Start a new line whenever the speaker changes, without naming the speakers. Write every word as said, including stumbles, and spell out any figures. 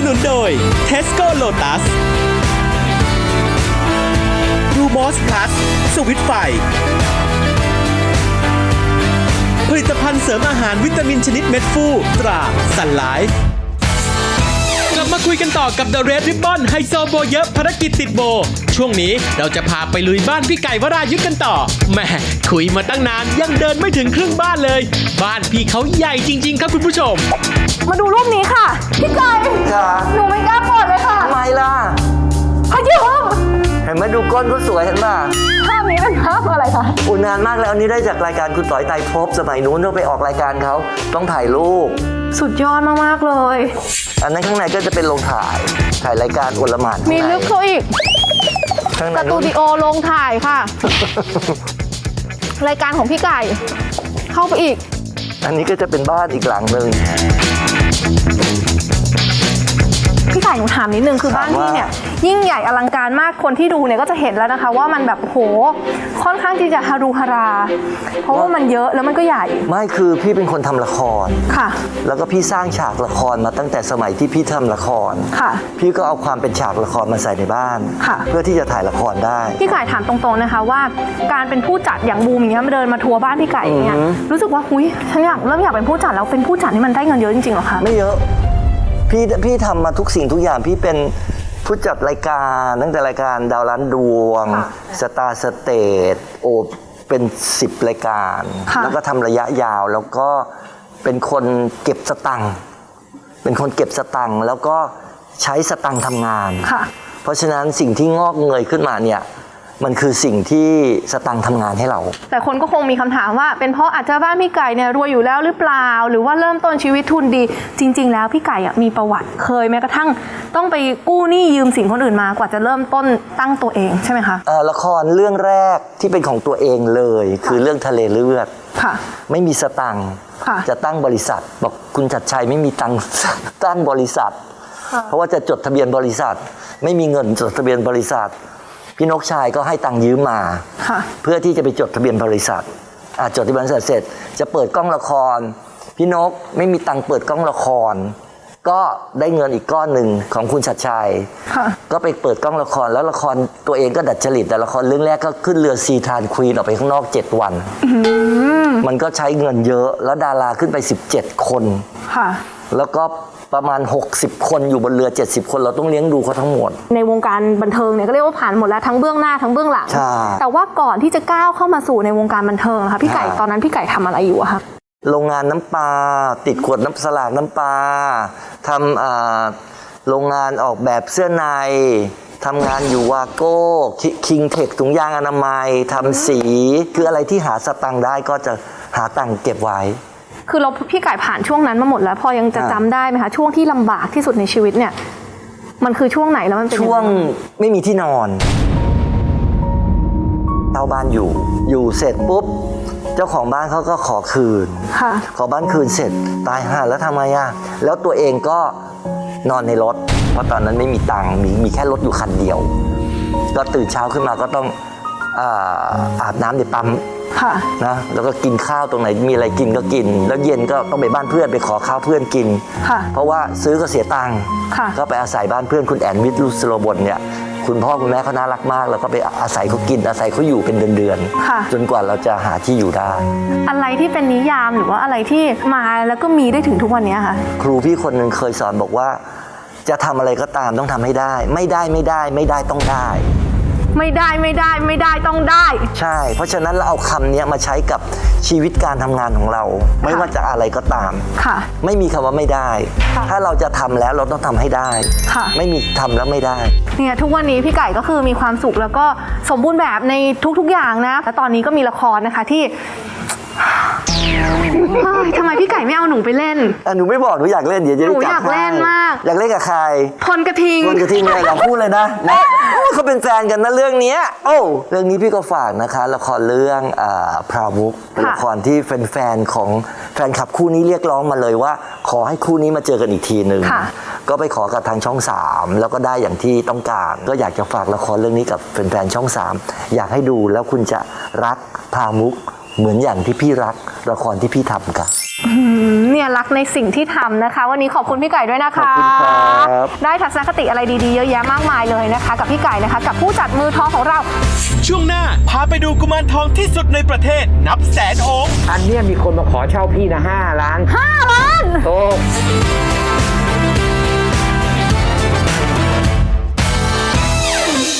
นุนโดย Tesco Lotus ดูมอสพลัสสวิตไฟผลิตภัณฑ์เสริมอาหารวิตามินชนิดเม็ดฟูตราสันไลฟ์กลับมาคุยกันต่อกับ The Red Ribbon ไฮโซโบเยอะภารกิจติดโบช่วงนี้เราจะพาไปลุยบ้านพี่ไก่วรายุทธกันต่อแหม่คุยมาตั้งนานยังเดินไม่ถึงครึ่งบ้านเลยบ้านพี่เขาใหญ่จริงๆครับคุณผู้ชม
มาดูรูปนี้ค่ะพี่ไก่
ค่ะ
หนูไม่กล้าเปิดเลยค่ะ
ทำไมล่ะ
พยุง
เห็นไหมดูก้นก็สวยเห็นป่ะ
ภาพนี้เป็นภาพอะไรคะ
อุ่นนานมากแล้วอันนี้ได้จากรายการคุณต่อยไตรภพสมัยนู้นเราไปออกรายการเขาต้องถ่ายรูป
สุดยอดมากๆเลย
อันนั้นข้างในก็จะเป็นโรงถ่ายถ่ายรายการอลหม่าน
มีลึกเข้าอีก
ข้างใน
สตูดิโอโรงถ่ายค่ะ รายการของพี่ไก่เข้าไปอีก
อันนี้ก็จะเป็นบ้านอีกหลังหนึ่ง
พี่ไก่หนูถามนิดนึงคือบ้านพี่เนี่ยยิ่งใหญ่อลังการมากคนที่ดูเนี่ยก็จะเห็นแล้วนะคะว่ามันแบบโหค่อนข้างที่จะฮารุฮารา เพราะว่ามันเยอะแล้วมันก็ใหญ่
ไม่คือพี่เป็นคนทำละคร
ค่ะ
แล้วก็พี่สร้างฉากละครมาตั้งแต่สมัยที่พี่ทำละคร
ค่ะ
พี่ก็เอาความเป็นฉากละครมาใส่ในบ้าน
ค่ะ
เพื่อที่จะถ่ายละครได้
พี่ไก่ถามตรงๆนะคะว่าการเป็นผู้จัดอย่างบูมอย่างเงี้ยมาเดินมาทัวร์บ้านพี่ไก่อย่างเงี้ยรู้สึกว่าหุยฉันอยากเริ่มอยากเป็นผู้จัดแล้วเป็นผู้จัดนี่มันได้เงินเยอะจริงๆหรอคะ
ไม่เยอะพี่พี่ทำมาทุกสิ่งทุกอย่างพี่เป็นผู้จัดรายการตั้งแต่รายการดาวล้านดวงสตาร์สเตทโอเป็นสิบรายการแล้วก็ทำระยะยาวแล้วก็เป็นคนเก็บสตังค์เป็นคนเก็บสตังค์แล้วก็ใช้สตังค์ทำงานเพราะฉะนั้นสิ่งที่งอกเงยขึ้นมาเนี่ยมันคือสิ่งที่สตังค์ทำงานให้เรา
แต่คนก็คงมีคำถามว่าเป็นเพราะอาจจะบ้านพี่ไก่เนี่ยรวยอยู่แล้วหรือเปล่าหรือว่าเริ่มต้นชีวิตทุนดีจริงๆแล้วพี่ไก่มีประวัติเคยแม้กระทั่งต้องไปกู้หนี้ยืมสินคนอื่นมากว่าจะเริ่มต้นตั้งตัวเองใช่ไหมคะ
ละครเรื่องแรกที่เป็นของตัวเองเลยคือเรื่องทะเลเลือด
ค่ะ
ไม่มีสตังค์จะตั้งบริษัทบอกคุณชัดชัยไม่มีตังค์ตั้งบริษัทเพราะว่าจะจดทะเบียนบริษัทไม่มีเงินจดทะเบียนบริษัทพี่นกชายก็ให้ตังค์ยืมมาเพื่อที่จะไปจดทะเบียนบริษัทจดทะเบียนบริษัทเสร็จจะเปิดกล้องละครพี่นกไม่มีตังค์เปิดกล้องละครก็ได้เงินอีกก้อนหนึ่งของคุณชัดชัยก็ไปเปิดกล้องละครแล้วละครตัวเองก็ดัดจริตแต่ละครเรื่องแรกก็ขึ้นเรือซีทานควีนออกไปข้างนอกเจ็ดวันมันก็ใช้เงินเยอะแล้วดาราขึ้นไปสิบเจ็ดคนแล้วก็ประมาณหกสิบคนอยู่บนเรือเจ็ดสิบคนเราต้องเลี้ยงดูเขาทั้งหมด
ในวงการบันเทิงเนี่ยก็เรียกว่าผ่านหมดแล้วทั้งเบื้องหน้าทั้งเบื้องหลังแต่ว่าก่อนที่จะก้าวเข้ามาสู่ในวงการบันเทิงนะคะพี่ไก่ตอนนั้นพี่ไก่ทำอะไรอยู่อะคะ
โรงงานน้ำปลาติดขวดน้ำสลากน้ำปลาทำโรงงานออกแบบเสื้อในทำงานอยู่วาโก้คิงเทคถุงยางอนามัยทำสีคืออะไรที่หาสตังค์ได้ก็จะหาตังค์เก็บไว้
คือเราพี่ไก่ผ่านช่วงนั้นมาหมดแล้วพอยังจะจำได้ไหมคะช่วงที่ลำบากที่สุดในชีวิตเนี่ยมันคือช่วงไหนแล้วมันเป็น
ช่วงไม่มีที่นอนเช่าบ้านอยู่อยู่เสร็จปุ๊บเจ้าของบ้านเขาก็ขอคืนขอบ้านคืนเสร็จตายห่าแล้วทำไมอ่ะแล้วตัวเองก็นอนในรถเพราะตอนนั้นไม่มีตังค์มีมีแค่รถอยู่คันเดียวก็ตื่นเช้าขึ้นมาก็ต้องอาบน้ำในปั๊มนะแล้วก็กินข้าวตรงไหนมีอะไรกินก็กินแล้วเย็นก็ต้องไปบ้านเพื่อนไปขอข้าวเพื่อนกินเพราะว่าซื้อก็เสียตังค์ก็ไปอาศัยบ้านเพื่อนคุณแอนวิทย์ลุสโลบนเนี่ยคุณพ่อคุณแม่เขาน่ารักมากแล้วก็ไปอาศัยเขากินอาศัยเขาอยู่เป็นเดือนๆจนกว่าเราจะหาที่อยู่ได้
อะไรที่เป็นนิยามหรือว่าอะไรที่มาแล้วก็มีได้ถึงทุกวันนี้ค่ะ
ครูพี่คนหนึ่งเคยสอนบอกว่าจะทำอะไรก็ตามต้องทำให้ได้ไม่ได้ไม่ได้ไม่ได้ต้องได้
ไม่ได้ไม่ได้ไม่ได้ต้องได้
ใช่เพราะฉะนั้นเราเอาคำนี้มาใช้กับชีวิตการทำงานของเราไม่ว่าจะอะไรก็ตาม
ค่ะ
ไม่มีคำว่าไม่ได้ถ้าเราจะทำแล้วเราต้องทำให้ได้ไม่มีทำแล้วไม่ได้
เนี่ยทุกวันนี้พี่ไก่ก็คือมีความสุขแล้วก็สมบูรณ์แบบในทุกๆอย่างนะและตอนนี้ก็มีละครนะคะที่ทำไมพี่ไก่ไม่เอาหนูไปเล่น
หนูไม่บอกหนูอยากเล่นเดี๋ยวจะได้จับ
หนูอยากเล่นมาก
อยากเล่นกับใคร
พลกระทิง
พลกระทิงเลยเราพูดเลยนะเขาเป็นแฟนกันนะเรื่องนี้โอ้เรื่องนี้พี่ก็ฝากนะคะละครเรื่องพราวุกเป็นละครที่แฟนๆของแฟนคลับคู่นี้เรียกร้องมาเลยว่าขอให้คู่นี้มาเจอกันอีกทีหนึ่งก็ไปขอกับทางช่องสามแล้วก็ได้อย่างที่ต้องการก็อยากจะฝากละครเรื่องนี้กับแฟนๆช่องสามอยากให้ดูแล้วคุณจะรักพราวุกเหมือนอย่างที่พี่รักละครที่พี่ทำกัน
อืมเนี่ยรักในสิ่งที่ทำนะคะ วันนี้ขอบคุณพี่ไก่ด้วยนะคะ
ขอบคุณครับ
ได้ทัศนคติอะไรดีๆเยอะแยะมากมายเลยนะคะ กับพี่ไก่นะคะ กับผู้จัดมือทองของเรา
ช่วงหน้าพาไปดูกุมารทองที่สุดในประเทศ นับแสนองค์
อันเนี้ยมีคนมาขอเช่าพี่นะห้าล้าน
ห้าล้าน